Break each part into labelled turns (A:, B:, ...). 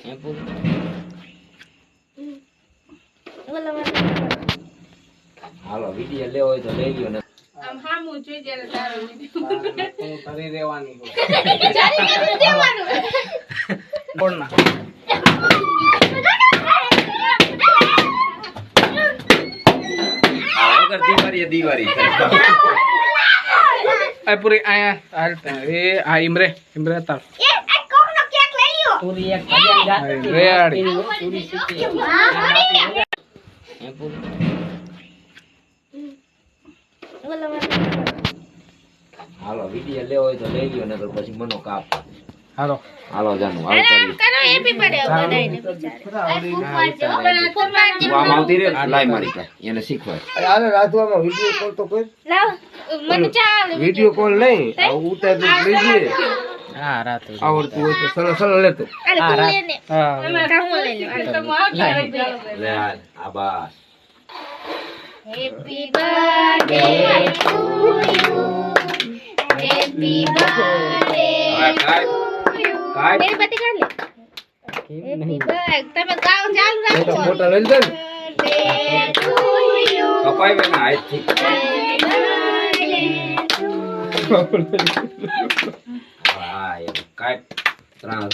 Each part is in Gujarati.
A: હાલો વિડિયો લેવો હોય તો લઈ લ્યો ને
B: આમ હામું જોઈ જ્યારે તારો વિડિયો
C: હું કરી દેવાની
B: જારી કરી દેવાનું
C: બોલ ના
A: આગળ દીવારી
C: આ પૂરી આયા હાલતા એ આ ઇમરે તાર
D: પૂરી એક ભજન ગાતી
C: રેડી
D: પૂરી શીખી
A: હાલો વિડિયો લેવો હોય તો લઈ લ્યો ને પછી મનો કાપ
C: હાલો
A: હાલો જાનું હાલ કરી
B: કરો હેપી બર્થડે બધાયને બિચારે
A: આમ આવતી રે લાઈ મારી કા એને શીખવાય
E: હાલે રાધવામાં વિડિયો કોલ તો કોઈ
B: લાવ મને ચાલ
E: વિડિયો કોલ નહીં ઉતાર લઈએ
C: હા રાત
E: આવડતું હોય તો સરળ લેતો
B: અરે તું લેને
C: હા
B: કામ લઈ લે તો
A: લે હાલ આ બસ
B: happy birthday to you happy birthday
A: કાઈ
B: મેરી બત્તી કાઢ લે હેપી બર્થડે તમે ગાવ ચાલુ રાખો
E: ફોટો લઈ લે
B: બર્થડે ટુ યુ
A: કપાઈ વેના હાથ થી હા એ કાઈ ત્રણ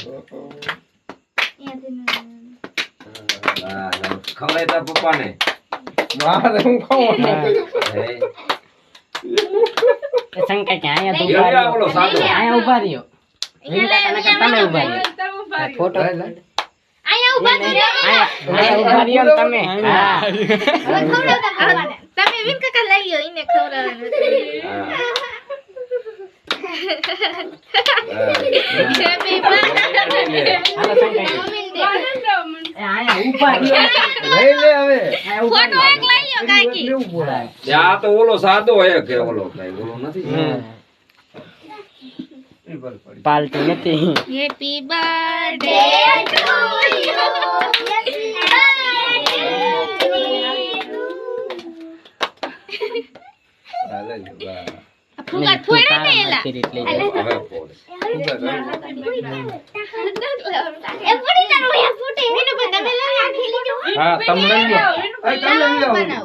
A: ખવડાય તા પપ્પાને
E: મારે હું ખાવું
A: હે
D: શંકા કે આયા તો
A: લ્યો લ્યો ઓલો સાદો
D: આયા ઉભા રહ્યો તમે ઉભા રહ્યો ફોટો
B: આયા ઉભા તો રે
D: આયા ઉભા રહ્યો ને તમે હા
B: તમે વિન કાકા લઈ લ્યો ઈને ખવડાવવાનું હેપી બર્થડે
D: હાલો શંકા આયા ઉભા રહ્યો
E: લઈ લે હવે
B: ફોટો એક લઈ લ્યો કાકી
E: લેવું પડે
A: આ તો ઓલો સાદો હોય કે ઓલો કઈ ઓલો નથી
D: પાલટી નથી
B: હેપી બર્થડે ટુ યુ
E: હાલે બા
B: ફુગા ફોડે ને એલા
A: હવે પોડે
B: એ પડી જાનો એ ફૂટે મેનુ તમે લઈ આખી લીજો
C: હા તમે લઈ લ્યો
B: બનાવો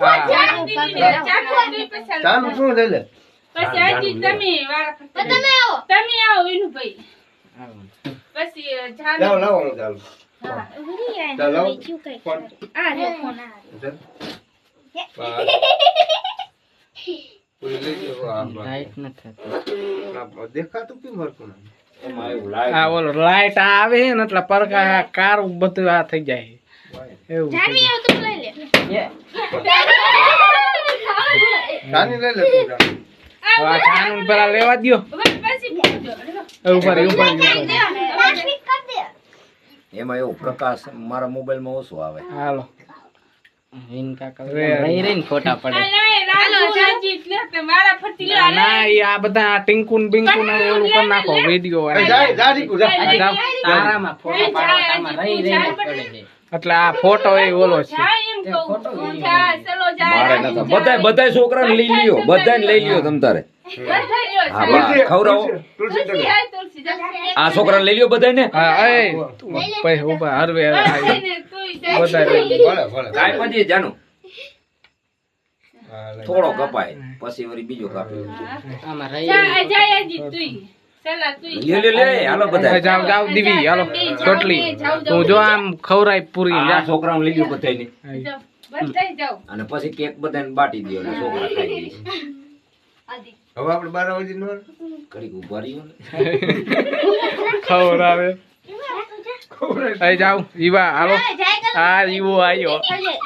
E: ચાલુ શું લઈ લે
B: પછી આજી તમે વાળા તમે આવો વિનુભાઈ પછી
E: લાવો લાવો હું ચાલુ
B: હા ઉરી આય
E: ચાલો.
B: બીજું કઈ
E: ફોન.
B: આ રે ફોન
E: કોઈ લઈ લો
D: લાઈટ નથી
E: દેખાતું કેમ હરતું
A: એમાં એવું
C: આ
A: લાગે
C: ઓલો લાઈટ આવે ને એટલે પરકા કાર બધું આ થઈ જાય એવું
B: જાનવી આવ તું લઈ લે
E: નાની લઈ લે તું જાણી.
C: આ કાનૂન પેલા લેવા દ્યો
B: પછી પૂછજો
C: ઉપર
A: એમાં એવું પ્રકાશ મારા મોબાઈલમાં ઓછો આવે
C: હાલો
D: વિન કાકા રહી રહીને ફોટા પડે
B: હાલો જાજી લે તે મારા ફરતી લે
C: ના ઈ આ બધા ટિંકુન બિંકુન ઓલું કરી નાખો વિડિયો
E: જા રીકુ જા
D: તારામાં ફોટો પાડવામાં રહી રહીને પડે છે
C: એટલે આ ફોટો એ ઓલો છે
B: જા એમ કહું જા ચલો જા
A: મારે નતા બધાય છોકરાને લઈ લ્યો બધાને લઈ લ્યો તમ તારે
B: બધા લ્યો
A: હા બા ખવડાવો
E: તુલસી
B: તુલસી હાય તુલસી જા
A: આ છોકરાને લઈ લ્યો બધાને
C: હા એ પૈ ઉભા હરવે આવી
B: ને તું
C: બધા લઈ લ્યો.
E: ભલે ભલે
A: કાઈ પછી જાનું
E: હા, લઈ.
A: થોડો કપાય પછી વળી બીજો કાપી
D: આમાં રહી
B: જા જા આજી તુઈ ચલા તુઈ
A: લે હાલો બધા
C: જાવ જાવ દીવી હાલો ચોટલી તું જો આમ ખવરાય પૂરી
A: આ
C: જા
A: છોકરાને લઈ લ્યો બધાને
B: જાઓ બધાય જાઓ
A: અને પછી કેક બધાને બાટી દો એટલે છોકરા ખાઈ લે
E: હવે આપણે 12 વાગે નો
A: ઘડીક ઉભા રહ્યો ને
C: ખવરાવે અહીં જાવ ઈવા હાલો આ ઈવો આયો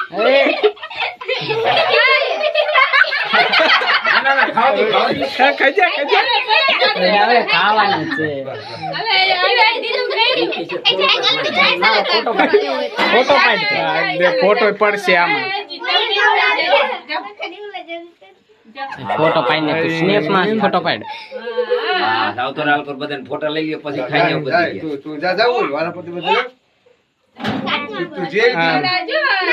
A: ના ખાવ દે
C: ખાઈ જા
D: હવે ખાવાનું છે ફોટો પાડ
C: ફોટો પડશે આમાં
D: ફોટો પાડીને તું સ્નેપ માં ફોટો પાડ
A: હા જાવ તો રાલ પર બધાને ફોટા લઈ લ્યો પછી ખાઈ જાવ
E: જાય
A: બધી
E: તું જા જાવ વાલા પતિ બધા તું જે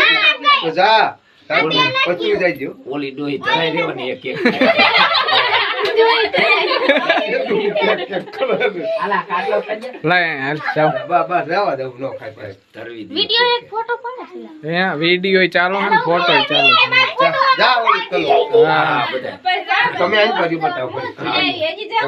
E: તો જા પછી જાય જો
A: ઓલી ડોહી ધરાઈ રહેવાની એક એક
D: આલા કાટલો ખાજે
C: લાય હાલ જાઓ
E: બસ રહેવા દઉં નો ખાય ભાઈ
A: ધરવી દે.
B: વિડિયો એક ફોટો પાડે છે
C: હે વિડિયો ચાલો ને ફોટો ચાલો
E: જા ઓલી કલો
C: હા
A: હા, બધા.
E: તમે આજ બાજુ બતાવો
B: એજી જાવ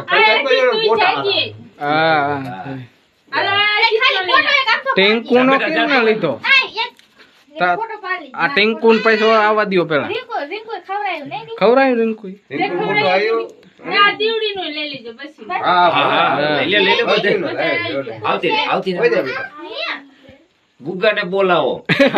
C: હા
B: ખાલી ફોટો એક આપો
C: ટેન્કુનો કેમ ના લીધો
B: એક ફોટો પાડી
C: આ ટેન્કુન પૈસો આવવા દ્યો પેલા
B: રીંકો ખવરાયું નહીં
C: ખવરાયું રિંકુ
E: રિંકુ મોટો આવ્યો
B: ના દીવડી નો લઈ લેજો બસ
E: હા
A: હા, લઈ લે બધે. આવતી રે, આવતી રે.
E: હોય જા બેટા
A: ગુગ્ગાને બોલાવો.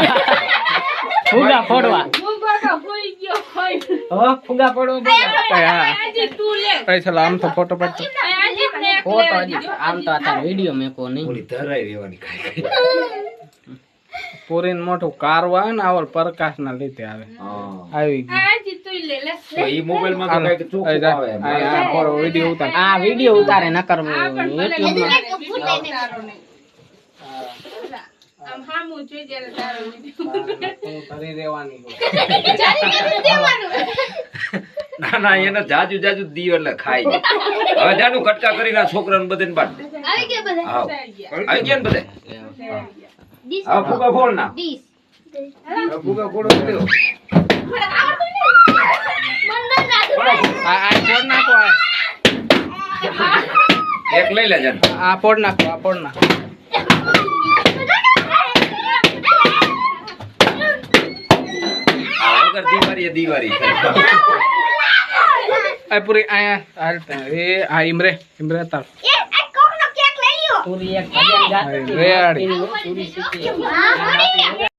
D: ફુગા ફોડવા
B: મુગો તો હોઈ ગયો હોય
D: હો ફુગા ફોડવા
C: હા
B: આજે તું લે
C: એ ચાલો આમ તો ફોટો પાડતો
B: આજે ને એક
D: ફોટો
B: લે
D: હજી આમ તો અત્યારે વિડિયો મેકો નહીં
A: ઓલી ધરાઈ રહેવાની ખાઈ.
C: પૂરીને મોટું કારવા ને આવલ પ્રકાશ ના લીધે આવે
A: હા.
C: આવી ગયું
B: આજે તું લે લે
A: તો ઈ મોબાઈલમાં તો કઈક ચોખ્ખું આવે એમ.
C: આ ફોટો વિડિયો ઉતાર
D: આ વિડિયો ઉતારે ન કરવો
B: આમ હામું જોઈ જ્યારે તારો
C: કરી દેવાની
A: ના ના એને જાજુ જાજુ દીવ એટલે ખાઈ જાય. હવે જાનું કટકા કરીને આ છોકરાને બધાને બાંધ દે.
B: આવી ગયા બધા
A: આવ. આવી ગયા ને બધે. હવે ફૂગા ફોડ ના.
B: ડીશ
E: ફુગા ફોડો દેવો
C: આ ફોડ નાખો
A: એક લઈ લે જાન.
C: આ ફોડ નાખો આ ફોડ નાખો
A: આ વગર દીવારી એ દીવારી.
C: આ પૂરી આયા હાલતા એ આ ઇમરે તાર
D: પૂરી એક ભજન ગાતી
C: રેડી
D: પૂરી શીખી